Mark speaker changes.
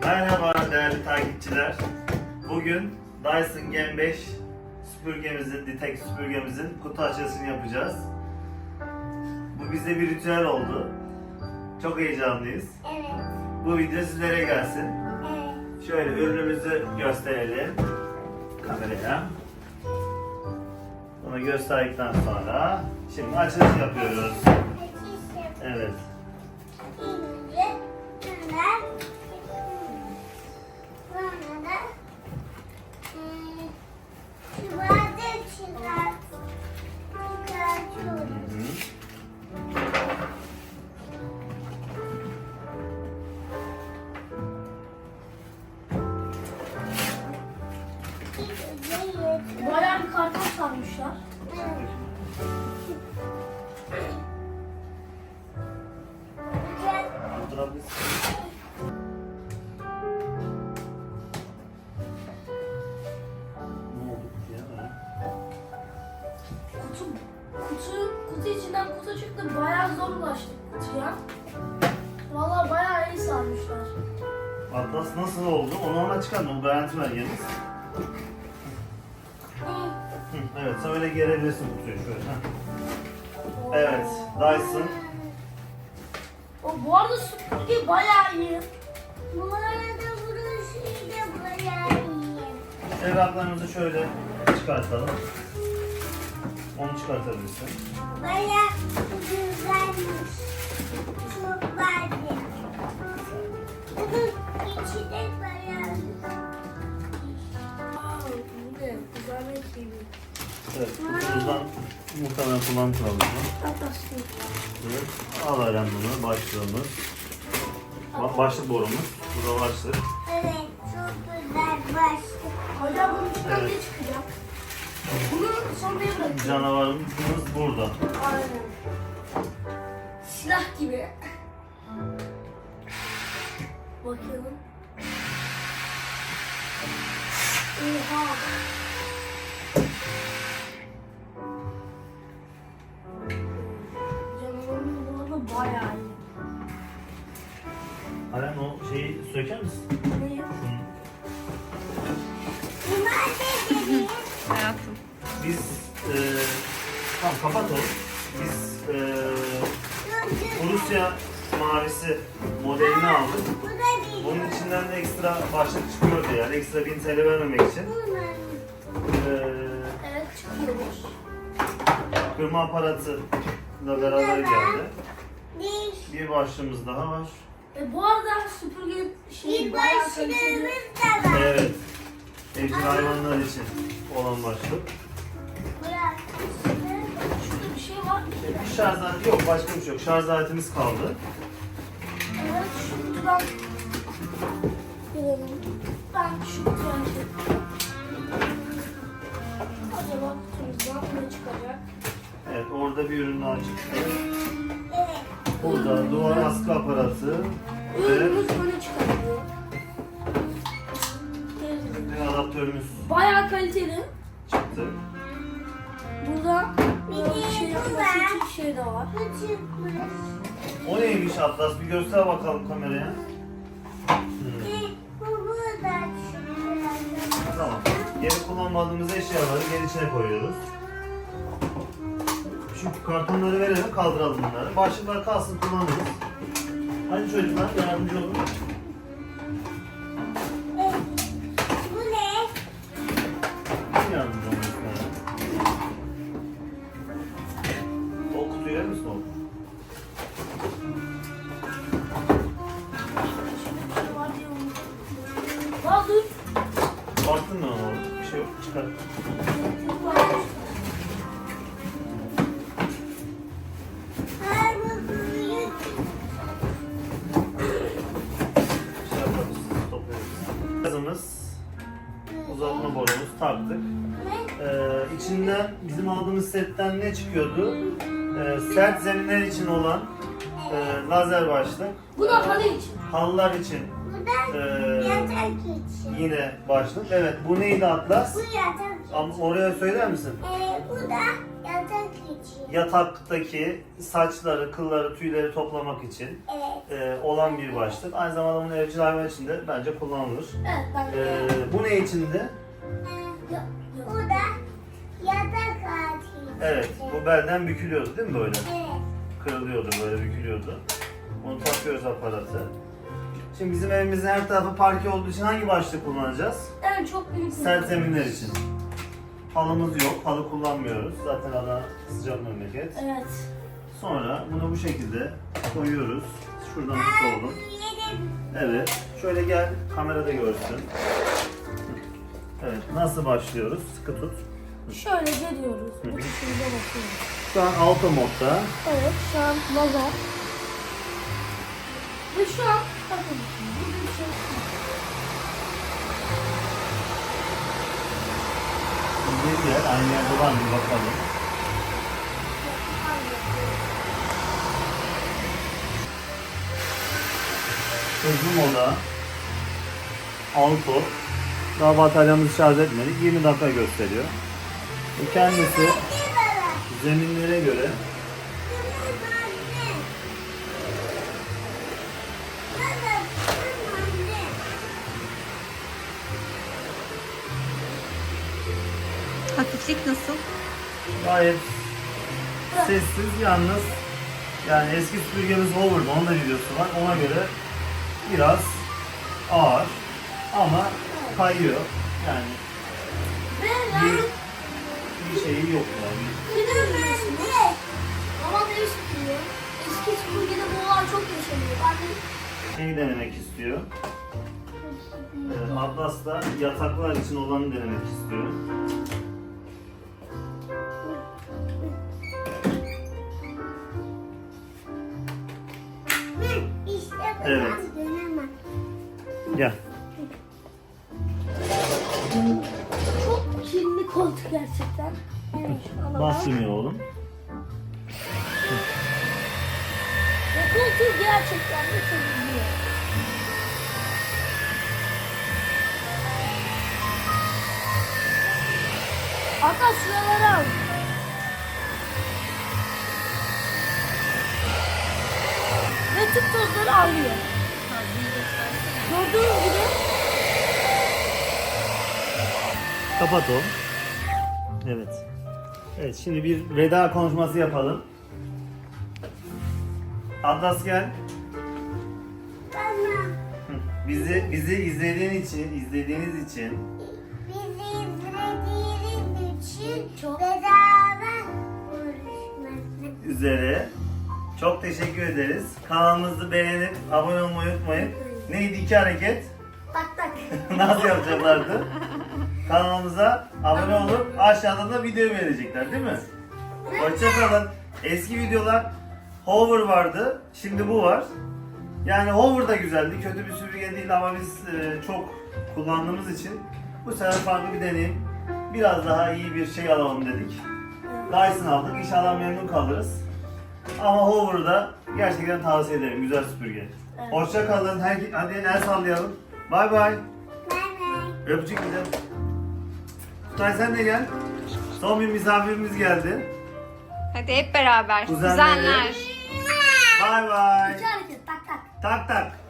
Speaker 1: Merhaba değerli takipçiler. Bugün Dyson Gen 5 süpürgemizin, Ditek süpürgemizin kutu açılışını yapacağız. Bu bize bir ritüel oldu. Çok heyecanlıyız.
Speaker 2: Evet.
Speaker 1: Bu video sizlere gelsin.
Speaker 2: Evet.
Speaker 1: Şöyle ürünümüzü gösterelim kameraya. Bunu gösterdikten sonra şimdi açılış yapıyoruz. Evet.
Speaker 2: Bayağı bir karton sarmışlar. Kutu içinden kutu çıktı. Bayağı zor ulaştık kutuya. Vallahi bayağı iyi sarmışlar.
Speaker 1: Atlas nasıl oldu? Onu ona çıkardım. Garanti ver yalnız. Evet, sen öyle gerebilirsin kutuyu şöyle. Evet, Dyson.
Speaker 2: Bu arada süpürge bayağı iyi. Bu arada burası da bayağı iyi.
Speaker 1: Evraklarımızı şöyle çıkartalım. Onu çıkartabilirsin.
Speaker 2: Bayağı güzelmiş. Çok beğendim. İçi de bayağı bu ne? Güzellik gibi.
Speaker 1: Evet, kutumuzdan muhtemelen kullanmış olalım. Evet, al Eren bunu, başlığımız. Başlık borumuz. Burada başlık.
Speaker 2: Evet, çok güzel başlık. Hocam bunun içinden
Speaker 1: Evet.
Speaker 2: ne çıkacak? Bunu sonraya bırakıyorum.
Speaker 1: Canavarımız burada.
Speaker 2: Aynen. Silah gibi. Bakalım. Oha. Canavarın bu arada bayağı iyi.
Speaker 1: Eren o şeyi söker misin?
Speaker 2: Ne?
Speaker 1: Şunu.
Speaker 2: Bunlar ne dedi?
Speaker 3: Hayatım.
Speaker 1: Biz, tamam kapat onu. Biz Rusya mavisi modelini aldık.
Speaker 2: Bu da değil.
Speaker 1: Bunun içinden de ekstra başlık çıkıyordu yani ekstra 1000 TL vermemek için.
Speaker 2: Evet çıkıyormuş.
Speaker 1: Kırma aparatı da beraber geldi.
Speaker 2: Değil.
Speaker 1: Bir başlığımız daha var.
Speaker 2: Bu arada süpürge şey bayağı kaliteli. Da var.
Speaker 1: Evet. Evcil hayvanlar için olan başlık.
Speaker 2: Bırak. Şurada bir şey var mı?
Speaker 1: Bir şarj aleti yok, başka bir şey yok. Şarj aletimiz kaldı.
Speaker 2: Evet şu kutudan girelim. Ben şu kutudan açayım. Acaba kutumuzdan ne çıkacak?
Speaker 1: Evet, orada bir ürün daha çıktı.
Speaker 2: Evet.
Speaker 1: Burada duvar askı aparatı ve
Speaker 2: Ürünümüz böyle çıkartıyor.
Speaker 1: bir adaptörümüz
Speaker 2: Bayağı kaliteli.
Speaker 1: çıktı.
Speaker 2: Burada şey yapması için şey de var.
Speaker 1: O neymiş Atlas? Bir göster bakalım kameraya. Tamam. Geri kullanmadığımız eşyaları geri içine koyuyoruz. Şu kartonları verelim, kaldıralım bunları. Başlıklar kalsın, kullanırız. Hadi çocuklar yardımcı olun.
Speaker 2: Bu ne?
Speaker 1: Kim yardımcı olun lütfen? O kutuyu verir misin oğlum?
Speaker 2: Aa dur.
Speaker 1: Baktın mı ona oğlum? Bir şey yok, çıkar. Şey yaparız, toplarız. Gazımız, uzatma borumuz taktık. İçinden bizim aldığımız setten ne çıkıyordu? Sert zeminler için olan lazer başlık.
Speaker 2: Bu da halı için.
Speaker 1: Halılar için
Speaker 3: Bu da yatak için.
Speaker 1: yine başlık. Evet, bu neydi Atlas?
Speaker 3: Bu yatak için.
Speaker 1: Ama oraya söyler misin?
Speaker 3: Bu da yatak için.
Speaker 1: Yataktaki saçları, kılları, tüyleri toplamak için
Speaker 3: Evet.
Speaker 1: olan bir başlık. Aynı zamanda bunu evcil hayvan için de bence kullanılır.
Speaker 2: Evet ben de.
Speaker 1: Bu ne içindi?
Speaker 3: Bu da yatak altı için.
Speaker 1: Evet, bu belden bükülüyordu değil mi böyle?
Speaker 3: Evet.
Speaker 1: Kırılıyordu, böyle bükülüyordu. Onu takıyoruz aparatı. Şimdi bizim evimizin her tarafı parke olduğu için hangi başlık kullanacağız?
Speaker 2: Evet çok büyük.
Speaker 1: Sert zeminler için. Halımız yok, halı kullanmıyoruz. Zaten Adana sıcak memleket.
Speaker 2: Evet.
Speaker 1: Sonra bunu bu şekilde koyuyoruz. Şuradan tut oğlum.
Speaker 3: Yedim.
Speaker 1: Evet, şöyle gel, kamerada görsün. Evet, nasıl başlıyoruz? Sıkı tut.
Speaker 2: Şöyle geliyoruz. Bu şekilde bakıyoruz.
Speaker 1: Şu an auto modda.
Speaker 2: Evet şu an lazer. Ve şu an bakın burada bir şey yok.
Speaker 1: Bir yer, aynı yerde var mı bakalım. Hızlı moda. Auto. Daha bataryamızı şarj etmedik. 20 dakika gösteriyor. Bu kendisi
Speaker 3: Bir baba.
Speaker 1: zeminlere göre
Speaker 4: Hafiflik nasıl?
Speaker 1: gayet sessiz, yalnız yani eski süpürgemiz Hover'da, onun da videosu var. Ona göre biraz ağır ama kayıyor. Yani
Speaker 2: Ve
Speaker 1: bir,
Speaker 2: yani
Speaker 1: bir şeyi yok yani.
Speaker 2: ama demiş diyor. Eski süpürgede bu olay çok yaşanıyor. Ben de
Speaker 1: Şeyi denemek istiyor. Atlas da yataklar için olanı denemek istiyor.
Speaker 3: İşte
Speaker 1: Evet.
Speaker 3: ben dönemem.
Speaker 1: Gel.
Speaker 2: çok kirli koltuk gerçekten. Evet, şunu alalım.
Speaker 1: Bastırmıyor oğlum.
Speaker 2: Ve koltuğu gerçekten de temizliyor. Hatta şuraları al. Ve tüm tozları alıyor. Gördüğünüz gibi
Speaker 1: Kapat o. Evet. Evet, şimdi bir veda konuşması yapalım. Atlas gel.
Speaker 3: Tamam.
Speaker 1: Hı. Bizi izlediğiniz için
Speaker 3: Bizi izlediğiniz için
Speaker 2: Çok-
Speaker 3: bedava görüşmek
Speaker 1: üzere çok teşekkür ederiz. Kanalımızı beğenip abone olmayı unutmayın. Neydi iki hareket?
Speaker 2: tak tak.
Speaker 1: Nasıl yapacaklardı? Kanalımıza abone olup aşağıda da video verecekler değil mi? Hoşçakalın. Eski videolar Hover vardı. Şimdi bu var. Yani Hover da güzeldi. Kötü bir süpürge değil ama biz çok kullandığımız için bu sefer farklı bir deneyim. Biraz daha iyi bir şey alalım dedik. Dyson aldık. İnşallah memnun kalırız. Ama Hover'da gerçekten tavsiye ederim. Güzel süpürge.
Speaker 2: Evet.
Speaker 1: Hoşçakalın. Hadi el sallayalım. Bay bay.
Speaker 3: Bay bay.
Speaker 1: Öpücük gidelim. Kutay sen de gel. Son bir misafirimiz geldi.
Speaker 4: Hadi hep beraber.
Speaker 1: Kuzenleri.
Speaker 4: Kuzenler.
Speaker 1: Bay bay.
Speaker 2: İki hareket tak tak.
Speaker 1: Tak tak.